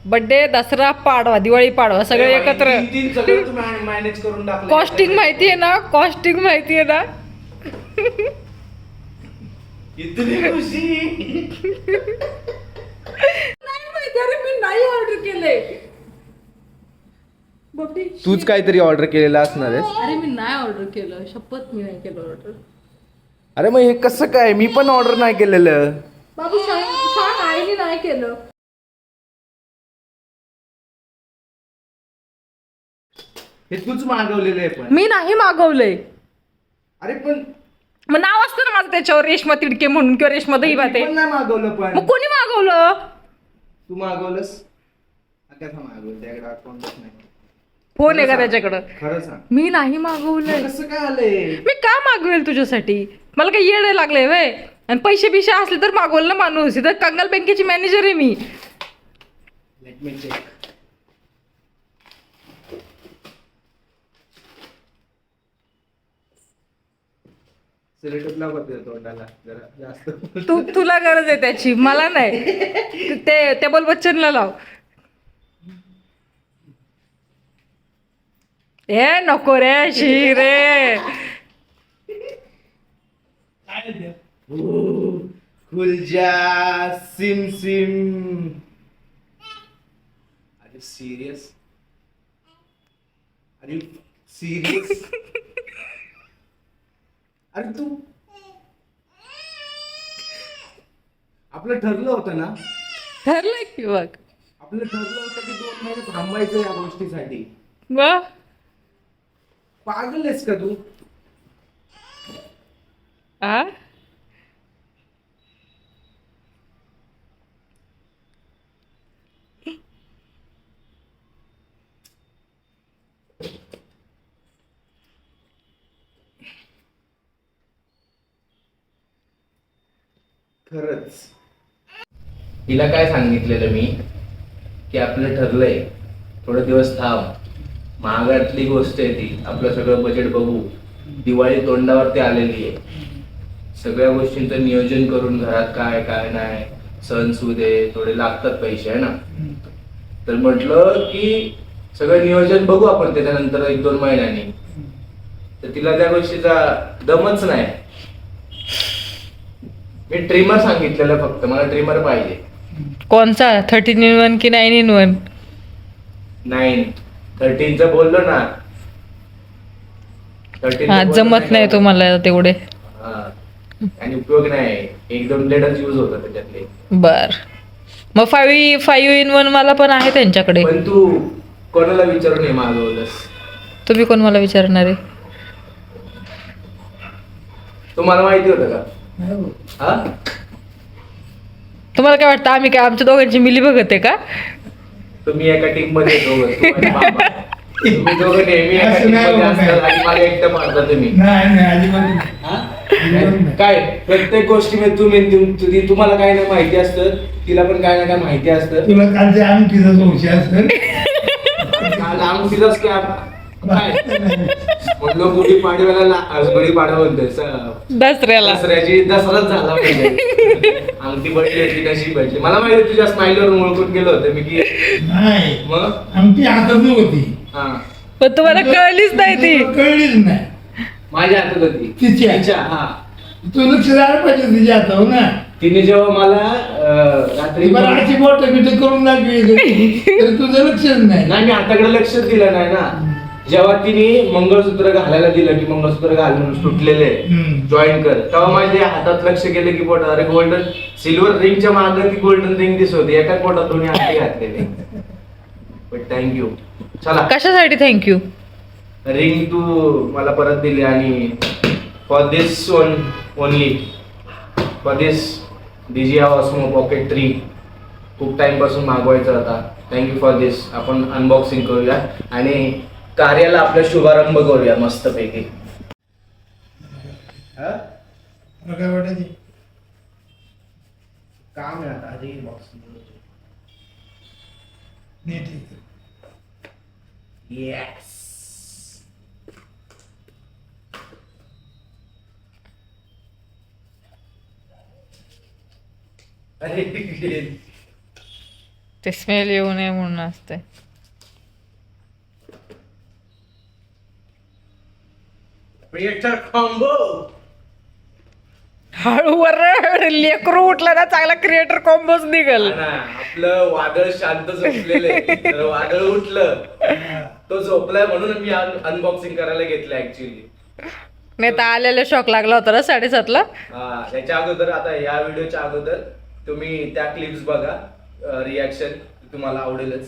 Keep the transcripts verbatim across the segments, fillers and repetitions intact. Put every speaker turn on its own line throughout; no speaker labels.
Birthday, Dussehra, Padwa, Diwali, Padwa सगळे एकत्र.
तीन तीन सगळं तुम्ही मॅनेज करून टाकलं.
कॉस्टिंग माहिती आहे ना, कॉस्टिंग माहिती आहे ना.
इतनी खुशी.
नाही माहिती, अरे मी नाही ऑर्डर केले. बापरे,
तूच काहीतरी ऑर्डर केलेलं असणार आहेस.
अरे मी नाही ऑर्डर केलं, शपथ मी नाही केलं ऑर्डर.
अरे मग हे कसं काय, मी पण ऑर्डर नाही केलेलं.
बाबू सांग सांग, आईने नाही केलं.
हे तूच मागवलेलं आहे पण.
मी नाही मागवलंय.
अरे पण
मग नाव असतं ना माझं त्याच्यावर, रेशमा तिडके म्हणून किंवा रेशमा दहीभाते.
मी पण नाही मागवलं पण.
मग कोणी मागवलं?
तू मागवलंस? कसं मागवलं, त्याकडे अकाउंटच नाही.
फोन आहे का त्याच्याकडं?
खरं सांग.
मी नाही मागवलंय.
कसं काय आलंय?
मी का मागवेल तुझ्यासाठी? मला काही येड लागलंय वय? आणि पैसे बिशे असले तर मागवलं ना माणूस. इथं कंगाल बँकेची मॅनेजर आहे मी.
Let me check. सिलेक्टला बदल तोंडाला जरा जास्त.
तू तुला गरज आहे त्याची, मला नाही. ते टेबल बच्चनला लाव. ए नको रे शी रे.
खुलजा सिम सिम. अरे सिरियस, अरे सिरियस. अरे तू, आपलं ठरलं होतं ना,
ठरलं की बघ.
आपलं ठरलं होतं की दोन महिने थांबायचं या गोष्टीसाठी.
वा,
पागल आहेस का तू?
आ
खरंच. हिला काय सांगितलेलं मी की आपलं ठरलंय, थोडे दिवस थांब, महागातली गोष्ट आहे ती, आपलं सगळं बजेट बघू, दिवाळी तोंडावरती आलेली आहे, सगळ्या गोष्टींचं नियोजन करून घरात काय काय नाही, सण सुदे थोडे लागतात पैसे आहे ना, तर म्हटलं की सगळं नियोजन बघू आपण त्याच्यानंतर एक दोन महिन्यांनी. तर तिला त्या गोष्टीचा दमच नाही. मी ट्रिमर सांगितलेलं फक्त, मला ट्रिमर पाहिजे.
कोणचा? थर्टीन इन वन की नाईन इन वन?
नाईन. थर्टीनचं बोललो ना. थर्टीन
हा, जमत नाही तुम्हाला तेवढे.
आणि उपयोग नाही, एक दोन ब्लेडच यूज होतात त्याच्यातले.
बर, मग फाईव्ह फाईव्ह इन वन मला पण आहे त्यांच्याकडे.
पण तू कोणाला विचारून हे मागवलंस?
तुम्ही कोण मला विचारणार आहे?
तुम्हाला माहिती होतं का? हा,
तुम्हाला काय वाटतं आम्ही काय आमच्या दोघांची मिली बघत आहे का?
तुम्ही एका टीम मध्ये दोघं, तू आणि बाबा. तुम्ही दोघं नेहमी एका टीम मध्ये असतात आणि मला एकटं मारता तुम्ही.
नाही नाही अजिबात
हा? काय प्रत्येक गोष्टीमध्ये तुम्ही तुम- तुम्हाला काय नाही माहिती असतं, तिला पण काय ना काय माहिती असतं.
तुला काल ते अंगठीचा संशय असेल.
काल अंगठीचाच काय काय म्हणलो, गुढी पाडव्याला, गुढी पाडवा म्हणतोय स-
दसऱ्याला.
दसऱ्याची दसराच झाला पाहिजे. अंगठी भेटली होती, कशी भेटली मला माहिती, तुझ्या स्माईलवर ओळखून गेलो होतं मी की.
नाही
मग
अंगठी हातात नव्हती.
हा,
पण तुम्हाला कळलीच नाही ती.
कळलीच नाही.
माझ्या हातात होती.
तिच्या.
तिच्या, हा.
तू लक्ष द्यायला पाहिजे तिच्या हातावर ना.
तिने जेव्हा मला अं, रात्री
बरं अशी बोट बिट करून दाखवी तर तुझं लक्षच नाही.
नाही, मी हाताकडे लक्षच दिलं नाही ना. जेव्हा तिने मंगळसूत्र घालायला दिलं की मंगळसूत्र घाल म्हणून सुटलेले
हम्म.
जॉईन कर, तेव्हा माझ्या हातात लक्ष गेलं की बोट, अरे गोल्डन सिल्वर रिंगच्या मागे ती गोल्डन रिंग दिसत होती, एका पोटात दोन्ही हाती घातलेले. But thank you. चला,
कशासाठी थँक्यू?
रिंग तू मला परत दिली आणि for this one only, for this DJI Osmo pocket three खूप टाइम पासून मागवायचा होता. Thank you for this. आपण अनबॉक्सिंग करूया आणि कार्याला आपला शुभारंभ करूया मस्तपैकी.
तुला काय वाटायचे?
काम आहे आता आधी बॉक्सिंग.
नाही ठीक.
येस. अरे
ते स्मेल येऊ नये म्हणून असते.
Creator combo.
हळूवर लेकरू उठला ना चांगला क्रिएटर कॉम्बोच निघल.
आपलं वादळ शांत झोपलेलं आहे, तर वादळ उठलं, तो झोपलाय म्हणून मी अनबॉक्सिंग करायला घेतलं ऍक्च्युली.
नाही तर आलेला शॉक लागला होता ना साडेसातला.
हा, त्याच्या अगोदर आता या व्हिडिओच्या अगोदर तुम्ही त्या क्लिप्स बघा, रिॲक्शन तुम्हाला आवडेलच.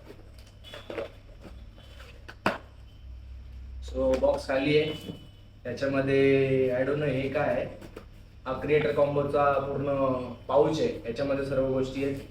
सो बॉक्स खाली आहे, त्याच्यामध्ये आय डोंट नो हे काय आहे. हा क्रिएटर कॉम्बोचा पूर्ण पाऊच आहे, याच्यामध्ये सर्व गोष्टी आहेत.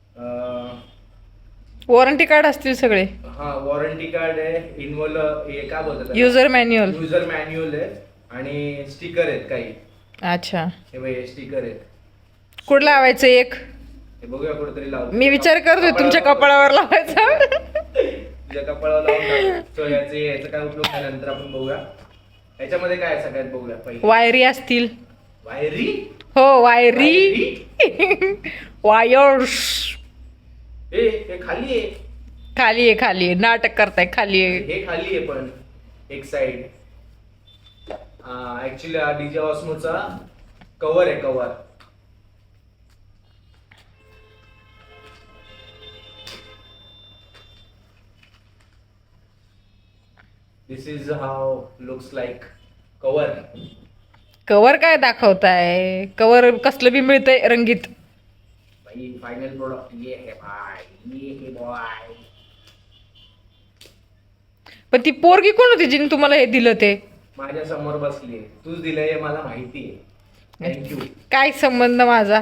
वॉरंटी कार्ड असतील सगळे.
हा, वॉरंटी कार्ड आहे, इन्व्हॉल्व हे काय बोलतात,
युजर मॅन्युअल.
युजर मॅन्युअल आहे आणि स्टिकर आहेत काही.
अच्छा,
हे बघ, स्टिकर आहेत.
कुठं लावायचं एक?
हे बघूया कुठेतरी लावू.
मी विचार करतोय तुमच्या कपाळावर लावायचा.
तुझ्या कपाळावर लावून सो याचे याचा काय उपयोग झाल्यानंतर आपण बघूया. याच्यामध्ये काय आहे सगळ्यात बघूया पहिले.
वायरी असतील.
वायरी.
हो, वायरी. वायर्स.
हे हे खाली आहे.
खाली आहे, खाली आहे. नाटक करताय, खाली आहे.
हे खाली आहे पण एक साइड. ऍक्च्युली हा डीजे ऑस्मोचा कव्हर आहे, cover. This is how looks like cover.
Cover काय दाखवताय? कवर कसलं बी मिळतंय रंगीत.
भाई फाइनल प्रोडक्ट ये है भाई, ये है बॉय.
पण ती पोरगी कोण होती जिने तुम्हाला हे दिलं ते?
माझ्या समोर बसली, तूच दिलंय हे मला माहिती आहे. थँक्यू.
काय संबंध माझा?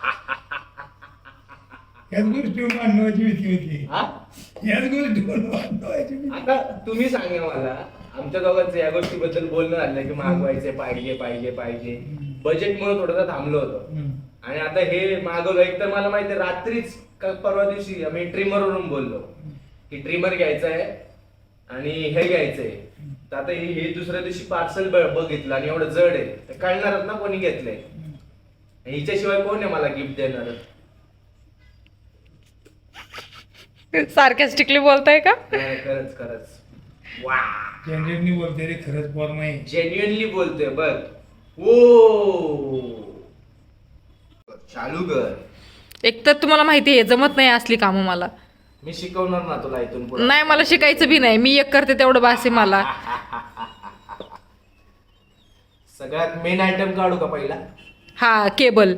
याच गोष्टीवर मांडवायची भीती होती.
हा,
याच गोष्टीवर मांडवायची भीती.
आता तुम्ही सांगा मला, आमच्या दोघांचं या गोष्टीबद्दल बोलणं झालं की मागवायचे, पाहिजे पाहिजे पाहिजे. बजेटमुळे थोडंसं थांबलो होतो.
हम्म.
आणि आता हे मागवलं. एक तर मला माहिती आहे, रात्रीच का परवा दिवशी आम्ही ट्रिमरवरून बोललो की ट्रिमर घ्यायचं आहे आणि हे घ्यायचंय. तर आता हे हे दुसऱ्या दिवशी पार्सल बघितलं आणि एवढं जड आहे, तर कळणारच ना कोणी घेतलंय. हिच्याशिवाय कोण आहे मला गिफ्ट देणार?
सार्कॅस्टिकली बोलताय का?
खरंच खरंच वा,
जेन्युइनली बोलते रे, खरंच फॉर्म आहे.
जेन्युइनली बोलतोय बघ. ओ, चालू कर.
एक तर तुम्हाला माहिती आहे जमत नाही असली कामं मला.
मी शिकवणार ना तुला इथून पुढे.
नाही, मला शिकायचं बी नाही. मी एक करते तेवढं बास आहे मला.
सगळ्यात मेन आयटम काढू का पहिला?
हा, केबल.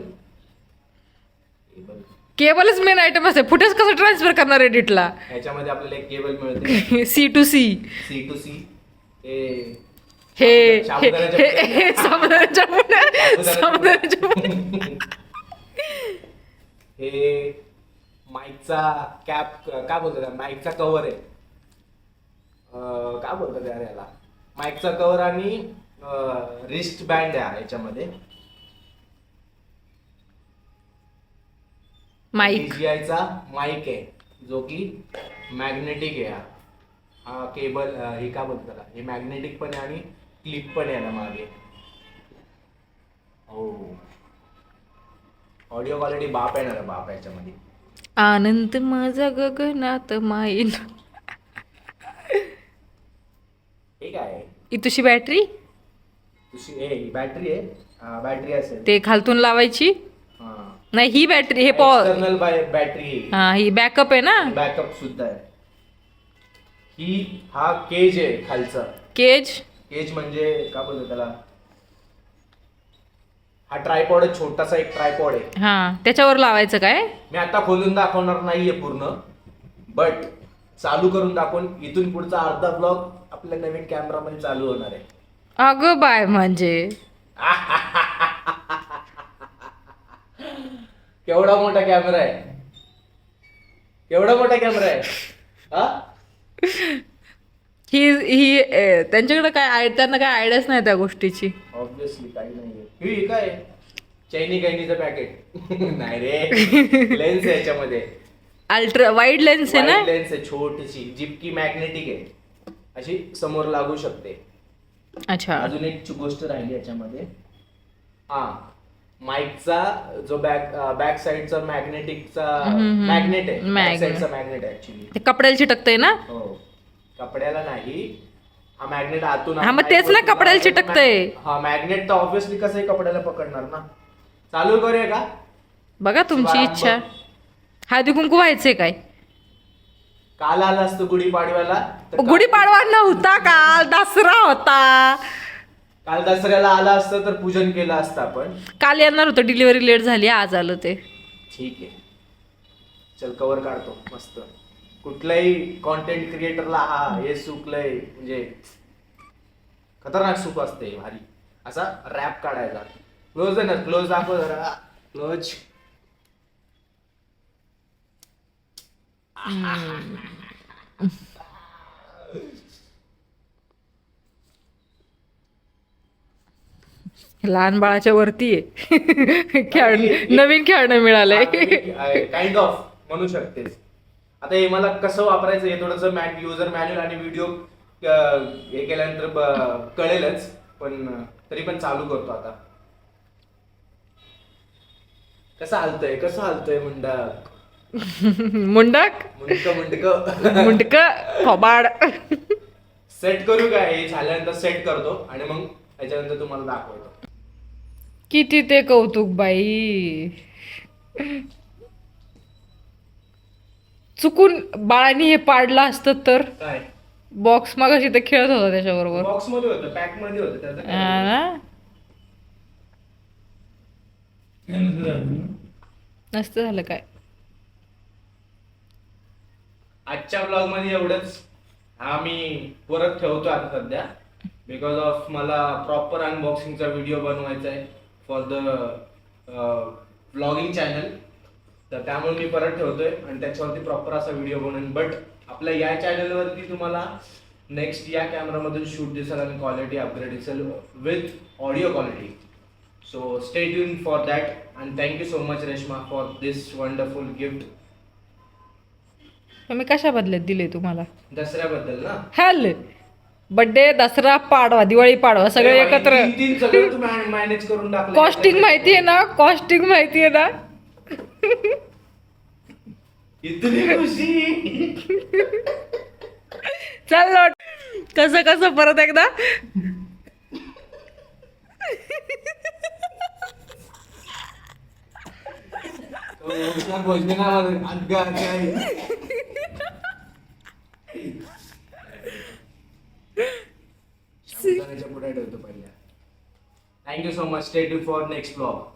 केबलच मेन आयटम असते. फुटेज कसं ट्रान्सफर करणार एडिटला?
ह्याच्यामध्ये आपल्याला एक केबल मिळते,
C to C.
C to C. हे
हे हे
साबुदाण्याच्या
हे- हे साबुदाण्याच्या पुड्या. साबुदाण्याच्या पुड्या.
हे माईकचा कॅप, काय बोलतात, माईकचा कव्हर आहे. अं, काय बोलतात यार याला, माईकचा कव्हर आणि रिस्ट बँड आहे याच्यामध्ये.
माईक.
चा माईक आहे जो की मॅग्नेटिक आहे. हा केबल, हे काय बोलतात त्याला, हे मॅग्नेटिक पण आहे आणि क्लिप पण आहे ना मागे. हो, ऑडिओ क्वालिटी बाप आहे ना बाप याच्यामध्ये.
आनंद माझा गगनात माईल.
हे काय आहे?
ही तुझी बॅटरी.
तुझी हे बॅटरी आहे. हा, बॅटरी असेल.
ते खालतून लावायची.
हा,
नाही, ही बॅटरी. हे पॉवर.
External battery.
हा, ही बॅकअप आहे ना.
बॅकअप सुद्धा आहे. ही हा केज आहे खालचा.
केज.
केज म्हणजे काय बोलतो त्याला, हा ट्रायपॉड आहे, छोटासा एक ट्रायपॉड आहे.
हा, त्याच्यावर लावायचं काय?
मी आता खोलून दाखवणार नाहीये पूर्ण, बट चालू करून दाखवून इथून पुढचा अर्धा ब्लॉग आपल्या नवीन कॅमेरामध्ये चालू होणार आहे.
अगं बाय, म्हणजे
केवढा मोठा कॅमेरा आहे, केवढा मोठा कॅमेरा आहे. हा,
ही ही ए, त्यांच्याकडे काय आय त्यांना काय आयडियाच नाही त्या गोष्टीची.
ऑब्विसली काही नाहीये. ही काय चैनी कैनीचं पॅकेट नाही रे, लेन्स आहे याच्यामध्ये.
अल्ट्रा वाईड लेन्स आहे ना.
लेन्स आहे छोटीशी, जिपकी मॅग्नेटिक आहे, अशी समोर लागू शकते.
अच्छा.
अजून एक गोष्ट राहिली याच्यामध्ये. हा, माईकचा जो बॅक बॅक साईडचा मॅग्नेटिकचा
हम्म.
मॅग्नेट आहे
Magnet.
बॅक साईडचा मॅग्नेट आहे ऍक्च्युली.
ते कपड्याला चिटकतंय ना.
हो कपड्याला नाही, हा मॅग्नेट आतून
हा, मग तेच ना, कपड्याला चिटकतंय.
हा मॅग्नेट तर ऑब्विसली कसंही कपड्याला पकडणार ना. चालू करूया का?
बघा तुमची इच्छा. हळदी कुंकू व्हायचंय काय?
काल आला असतो गुढीपाडव्याला तर काल-
गुढीपाडवा नव्हता काल, दसरा होता.
काल दसऱ्याला आला असतं तर पूजन केलं असतं आपण.
काल येणार होतं, डिलिव्हरी लेट झाली, आज आलं ते.
ठीक आहे चल कवर काढतो मस्त. कुठल्याही कॉन्टेंट क्रिएटरला हा हे सुकलंय म्हणजे खतरनाक सुख असते भारी. असा रॅप काढायचा. क्लोज आहे ना, क्लोज दाखव जरा. क्लोज.
लहान बाळाच्या वरती आहे. खेळ नवीन खेळणं मिळालंय.
काइंड ऑफ म्हणू शकतेस. आता हे मला कसं वापरायचं हे थोडस युजर मॅन्युअल आणि व्हिडिओ हे केल्यानंतर ब- कळेलच, पण तरी पण चालू करतो आता. कसं हालतंय कसं हालतंय मुंडक
मुंडक
मुंडक मुंडक
मुंडक थोबाड.
सेट करू काय? हे झाल्यानंतर सेट करतो आणि मग त्याच्यानंतर तुम्हाला दाखवतो.
किती ते कौतुक बाई. चुकून बाळाने हे पाडलं असतं तर.
काय
बॉक्स मागाशी ते खेळत होता त्याच्याबरोबर.
बॉक्स मध्ये होतं, पॅक मध्ये होतं त्याचं काय?
हा ना? नसतं झालं काय.
आजच्या ब्लॉग मध्ये एवढंच. हा मी परत ठेवतो आता सध्या, बिकॉज ऑफ मला प्रॉपर अनबॉक्सिंगचा व्हिडिओ बनवायचा आहे फॉर द व्लॉगिंग चॅनल. तर त्यामुळे मी परत ठेवतोय आणि त्याच्यावरती प्रॉपर असा व्हिडिओ बनवेन. बट आपल्या या चॅनलवरती तुम्हाला नेक्स्ट या कॅमेरामधून शूट दिसेल आणि क्वालिटी अपग्रेड दिसेल with audio quality. So stay tuned for that and thank you so much Reshma for this wonderful gift.
मी कशा बदल्यात दिले तुम्हाला?
दसऱ्याबद्दल ना.
हॅल बर्थडे, दसरा, पाडवा, दिवाळी, पाडवा सगळे एकत्र.
तीन तीन सगळं तू मॅनेज करून टाकलं.
कॉस्टिंग माहितीये ना? कॉस्टिंग माहितीये ना?
इतनी खुशी.
चल लोट. कसं कसं परत एकदा.
पुढे ठेवतो पहिल्या. Thank you so much. Stay tuned for next blog.